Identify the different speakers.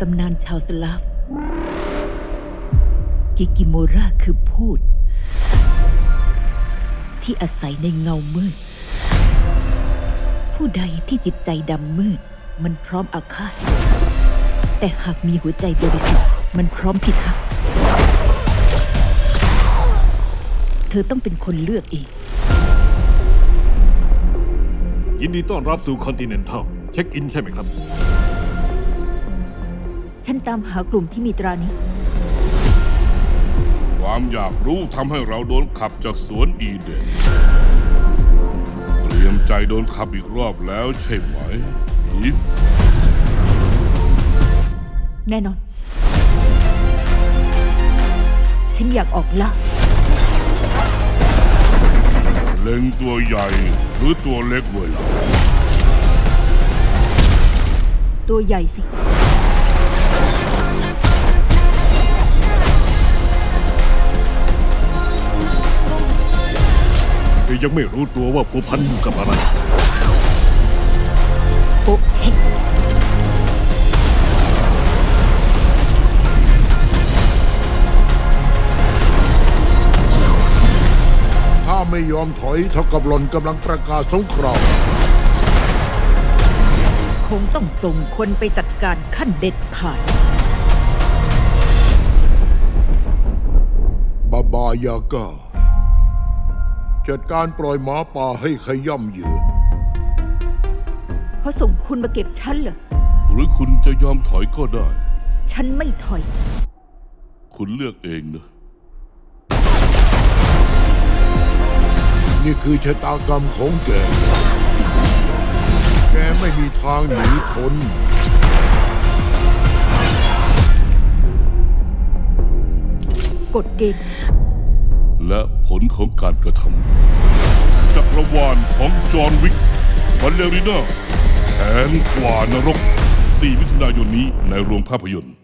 Speaker 1: ตำนานชาวสลาฟกิกิโมราคือพูดที่อาศัยในเงามืดผู้ใดที่จิตใจดำมืดมันพร้อมอาฆาตแต่หากมีหัวใจบริสุทธิ์มันพร้อมพิทักษ์เธอต้องเป็นคนเลือกเอง
Speaker 2: ยินดีต้อนรับสู่คอนติเนนทัลเช็คอินใช่ไหมครับ
Speaker 1: ฉันตามหากลุ่มที่มีตรานี้
Speaker 3: ความอยากรู้ทำให้เราโดนขับจากสวนอีเดนเตรียมใจโดนขับอีกรอบแล้วใช่ไหมอีฟ
Speaker 1: แน่นอนฉันอยากออกล่า
Speaker 3: เล็งตัวใหญ่หรือตัวเล็กเวลา
Speaker 1: ตัวใหญ่สิ
Speaker 2: ยังไม่รู้ตัวว่าผัวพันอยู่กับอะไร
Speaker 1: โป๊ะเช็ค
Speaker 4: ถ้าไม่ยอมถอยเท่ากับหล่อนกำลังประกาศสงคราม
Speaker 1: คงต้องส่งคนไปจัดการขั้นเด็ดขาด
Speaker 4: บาบายาก้าจัดการปล่อยหมาป่าให้ขย่ำยืน
Speaker 1: เขาส่งคุณมาเก็บฉันเหรอ
Speaker 3: หรือคุณจะยอมถอยก็ได้
Speaker 1: ฉันไม่ถอย
Speaker 3: คุณเลือกเองนะ
Speaker 4: นี่คือชะตากรรมของแกแกไม่มีทางหนีพ้น
Speaker 1: กฎเกณฑ์
Speaker 3: และผลของการกระทำจักรวาลของจอห์นวิกบัลเลริน่าแขนกว่านรก4 มิถุนายนนี้ในโรงภาพยนตร์